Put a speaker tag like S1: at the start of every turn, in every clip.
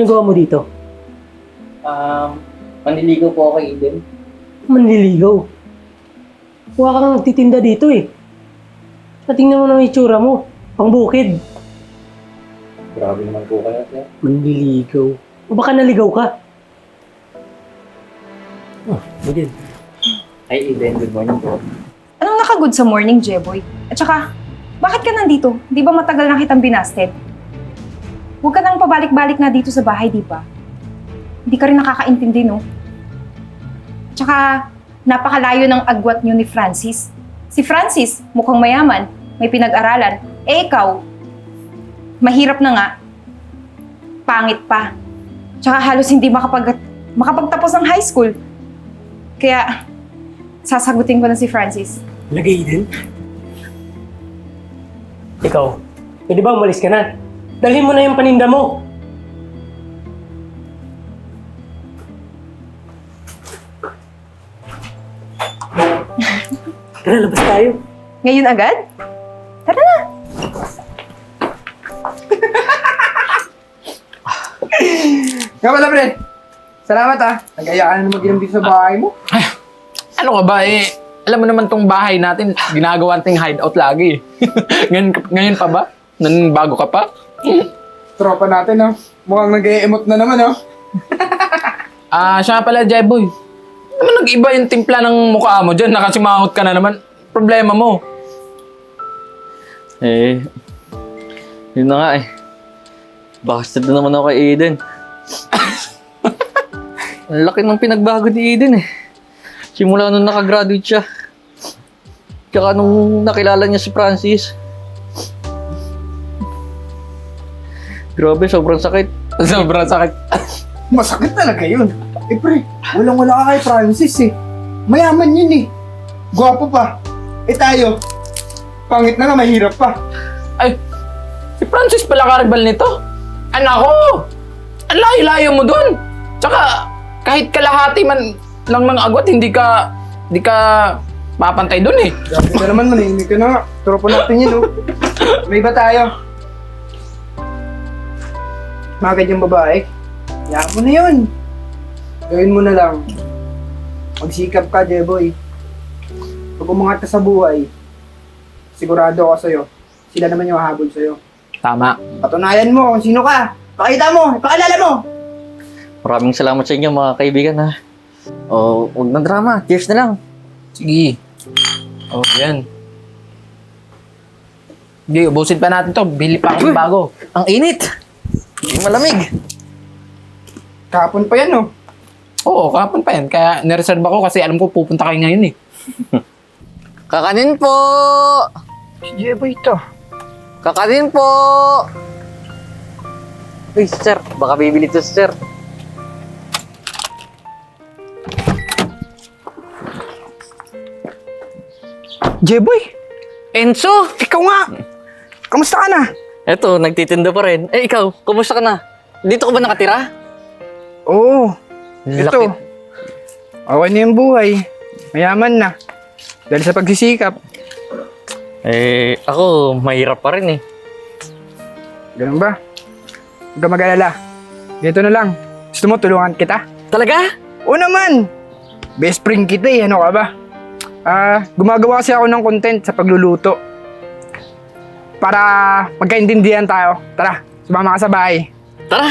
S1: ginagawa mo dito?
S2: Manliligaw po ako kay Eden.
S1: Manliligaw. Huwag kang nagtitinda dito eh. Tingnan mo na ang itsura mo. Pangbukid.
S2: Grabe naman po kayo, sir.
S1: Manliligaw. O baka naligaw ka? Budin.
S2: Hi, Eden. Good morning po.
S3: Anong nakagood sa morning, Jeboy? At saka, bakit ka nandito? Di ba matagal na kitang binasted? Huwag ka nang pabalik-balik na dito sa bahay, di ba? Hindi ka rin nakakaintindi, no? At saka, napakalayo ng agwat niyo ni Francis. Si Francis, mukhang mayaman, may pinag-aralan. Eh ikaw, mahirap na nga, pangit pa. Tsaka halos hindi makapagtapos ng high school. Kaya, sasagutin ko na si Francis.
S1: Lagay din. Ikaw, pwede ba umalis ka na? Dalhin mo na yung paninda mo. Tara, labas tayo.
S3: Ngayon agad? Tara na!
S4: Nga pala, pre. Salamat nag-aya ka na naman mag-inom dito sa bahay mo.
S5: Ano ka ba alam mo naman tong bahay natin, ginagawa nating hideout lagi. ngayon pa ba? Bago ka pa?
S4: Tropa natin, mukhang nag-e-emote na naman,
S5: Siya nga pala, Jeboy. Naman nag-iba yung timpla ng mukha mo dyan, nakasimangot ka na naman. Problema mo.
S2: Yun na nga Bastard na naman ako kay Eden. Ang laki ng pinagbago ni Eden Simula nung nakagraduate siya. Tsaka nung nakilala niya si Francis. Grabe, sobrang sakit.
S5: Sobrang sakit.
S4: Masakit talaga yun. Pre, walang-wala ka kay Francis, Mayaman yun, Gwapo pa. Tayo, pangit na nga, mahirap pa.
S5: Ay, si Francis pala karibal nito. Anak ko! Ang layo-layo mo dun. Tsaka, kahit kalahati man lang ng agwat, hindi ka mapantay dun
S4: Grabe ka naman, manahimik ka na nga. Tropa natin yun, May iba tayo. Mga yung babae. Hayaan mo na yun. Gawin mo na lang. Magsikap ka, Jeboy. Pag umangat ka sa buhay, sigurado ako sa'yo. Sila naman yung hahabol sa'yo.
S5: Tama.
S4: Patunayan mo kung sino ka. Pakita mo, ipakilala mo.
S2: Maraming salamat sa inyo mga kaibigan huwag na drama. Cheers na lang.
S5: Sige. Yan. Hindi, ubusin pa natin to. Bili pa ako ng bago.
S2: Ang init. Hindi malamig.
S4: Kahapon pa yan,
S5: Oo, kahapon pa yan. Kaya nireserve ako kasi alam ko pupunta kayo ngayon
S2: Kakanin po.
S4: Si Jeboy ito.
S2: Kakanin po. Uy, sir. Baka bibili to, sir.
S4: Jeboy,
S2: Enzo!
S4: ikaw nga. Kamusta ka na?
S2: Eto, nagtitinda pa rin. Ikaw, kumusta ka na? Dito ka ba nakatira?
S4: Oo.
S2: Laki.
S4: Ito. Okay na yung buhay. Mayaman na. Dahil sa pagsisikap.
S2: Ako, mahirap pa rin
S4: Ganun ba? Huwag ka mag-alala. Dito na lang. Gusto mo tulungan kita?
S2: Talaga?
S4: Oo naman. Best friend kita ano ka ba? Gumagawa kasi ako ng content sa pagluluto. Para magkaintindihan tayo. Tara, sumama ka sa bahay.
S2: Tara!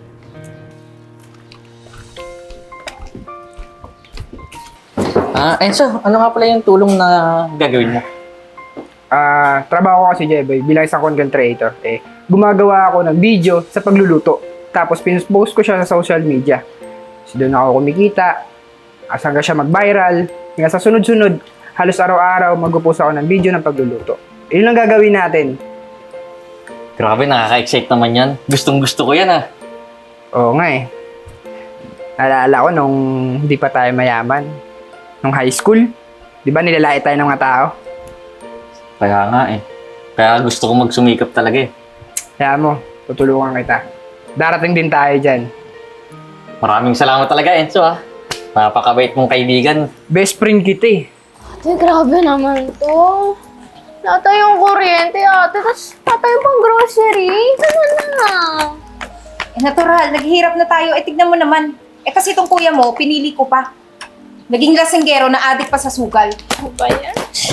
S2: Enzo, ano nga pala yung tulong na gagawin mo?
S4: Trabaho ko kasi Jeboy bilang isang content creator. Gumagawa ako ng video sa pagluluto. Tapos pinost ko siya sa social media. So doon ako kumikita. Hanggang siya mag-viral. Hanggang sa sunod-sunod, halos araw-araw mag-post ako ng video ng pagluluto. Yun lang gagawin natin.
S2: Grabe, nakaka-excite naman yan. Gustong-gusto ko yan
S4: Oo nga Naalala ko nung hindi pa tayo mayaman. Nung high school. Di ba nilalait tayo ng mga tao?
S2: Kaya nga Kaya gusto ko magsumikap talaga
S4: Kaya mo, tutulungan kita. Darating din tayo dyan.
S2: Maraming salamat talaga, Enzo Napakabait mong kaibigan.
S4: Best friend kita
S6: Ate, grabe naman to. Natay yung kuryente, ate. Tapos tatay pang grocery. Ano na?
S3: natural, naghihirap na tayo. Tignan mo naman. Kasi itong kuya mo, pinili ko pa. Naging lasenggero na adik pa sa sugal.
S6: Ano ba yan?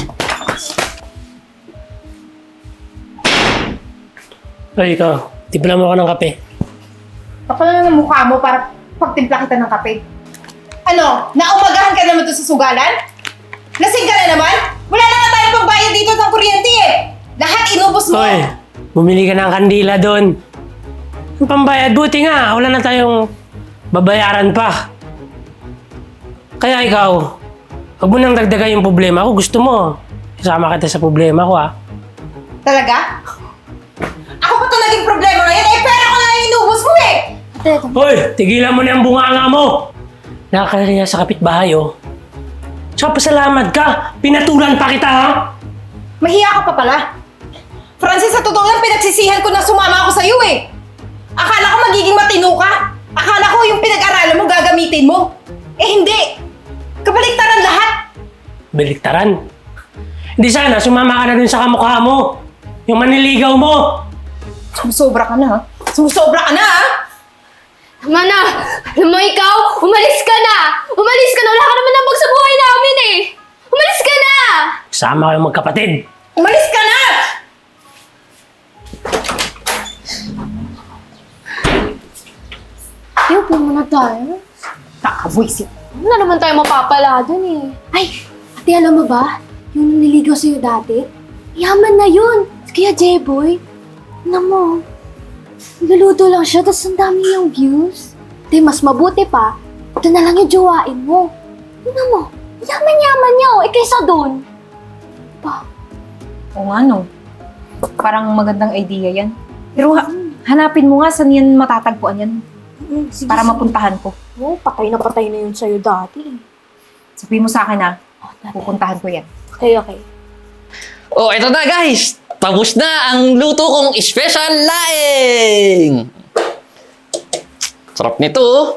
S1: Ay, ikaw. Timpla mo ako ng kape.
S3: Kapal na ng mukha mo para pagtimpla kita ng kape. Ano? Naumagahan ka naman doon sa sugalan? Lasing ka na naman? Wala na nga tayong pambayad dito ng kuryente eh! Lahat inubos mo!
S1: Hoy, bumili ka ng kandila doon. Ang pambayad, buti nga. Wala na tayong babayaran pa. Kaya ikaw, huwag mo nang dagdagan yung problema ko. Gusto mo, isama kita sa problema ko, ha?
S3: Talaga? Ako pa ito naging problema ngayon? Eh, pera ko na yung inubos mo eh!
S1: Hoy, tigilan mo na yung bunganga mo! Nakakaya sa kapitbahay, oh. Tsaka pasalamat ka! Pinatulan pa kita, ha?
S3: Mahiya ka pa pala. Francis, sa totoo lang, pinagsisihan ko na sumama ako sa'yo eh. Akala ko magiging matino ka. Akala ko yung pinag-aralan mo gagamitin mo. Eh hindi. Kabaliktaran lahat.
S1: Baliktaran. Hindi sana, sumama ka na dun sa kamukha mo. Yung maniligaw mo.
S3: Sumusobra ka na ha. Sumusobra ka na ha.
S6: Tama na! Alam mo ikaw, umalis ka na! Umalis ka na! Wala ka naman nabag sa buhay namin eh! Umalis ka na!
S1: Sama kayong magkapatid.
S3: Umalis ka na!
S6: Ayaw po muna tayo.
S3: Nakabwisit.
S6: Ano na naman tayo mapapala dun eh. Ay, ate alam mo ba? Yung nililigaw sa'yo dati? Yaman na yun! Kaya J-boy, alam mo, luluto lang siya, tapos ang dami yung views. Di, mas mabuti pa, ito na lang yung jowain mo. Ano mo, yaman-yaman niya oh, kaysa dun. Pa,
S3: Oo nga no. Parang magandang idea yan. Pero hanapin mo nga saan yan matatagpuan yan.
S6: sige,
S3: Para mapuntahan ko.
S6: Oh, patay na yun sa'yo dati.
S3: Sabihin mo sa akin ha. Pupuntahan ko yan.
S6: Okay, okay.
S2: Oh, eto na guys! Tapos na ang luto kong special laing! Sarap nito, oh.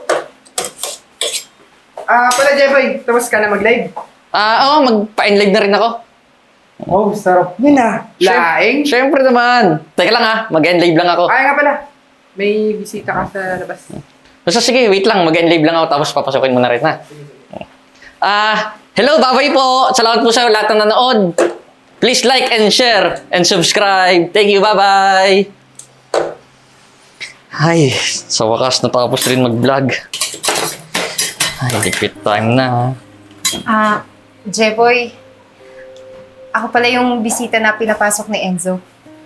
S4: Pala Jeboy, tapos ka na mag-live.
S2: Oo, magpa-enlive na rin ako.
S4: Oh, sarap yun ah. Laing?
S2: Siyempre naman. Teka lang ha, mag-enlive lang ako.
S4: Ay nga pala, may bisita ka sa labas.
S2: So sige, wait lang, mag-enlive lang ako tapos papasukin mo na rin ha. Hello, babay po! Salamat po sa lahat ng nanood. Please like and share and subscribe. Thank you, bye-bye! Ay, sa wakas natapos rin mag-vlog. Ay, repeat time na.
S3: Jeboy, ako pala yung bisita na pinapasok ni Enzo.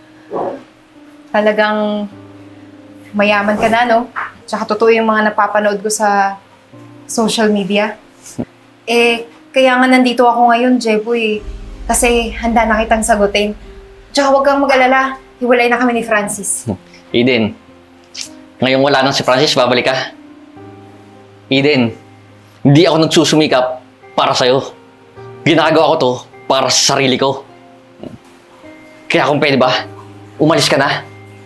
S3: Talagang mayaman ka na, no? Tsaka totoo yung mga napapanood ko sa social media. Kaya nga nandito ako ngayon, Jeboy, kasi handa na kitang sagutin. Tsaka huwag kang mag-alala, hiwalay na kami ni Francis.
S2: Eden, ngayong wala nang si Francis, babalik ka. Eden, hindi ako nagsusumikap para sa'yo. Ginagawa ko to para sa sarili ko. Kaya kung pwede ba, umalis ka na.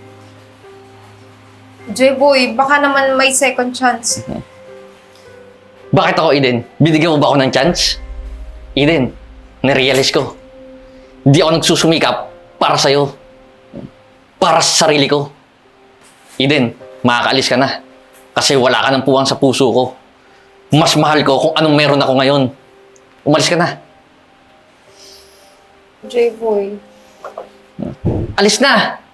S3: Jeboy, baka naman may second chance.
S2: Bakit ako, Eden? Binigyan mo ba ako ng chance? Eden, narealize ko. Hindi ako nagsusumikap para sa'yo. Para sa sarili ko. Eden, makakaalis ka na. Kasi wala ka ng puwang sa puso ko. Mas mahal ko kung anong meron ako ngayon. Umalis ka na.
S3: Jeboy.
S2: Alis na!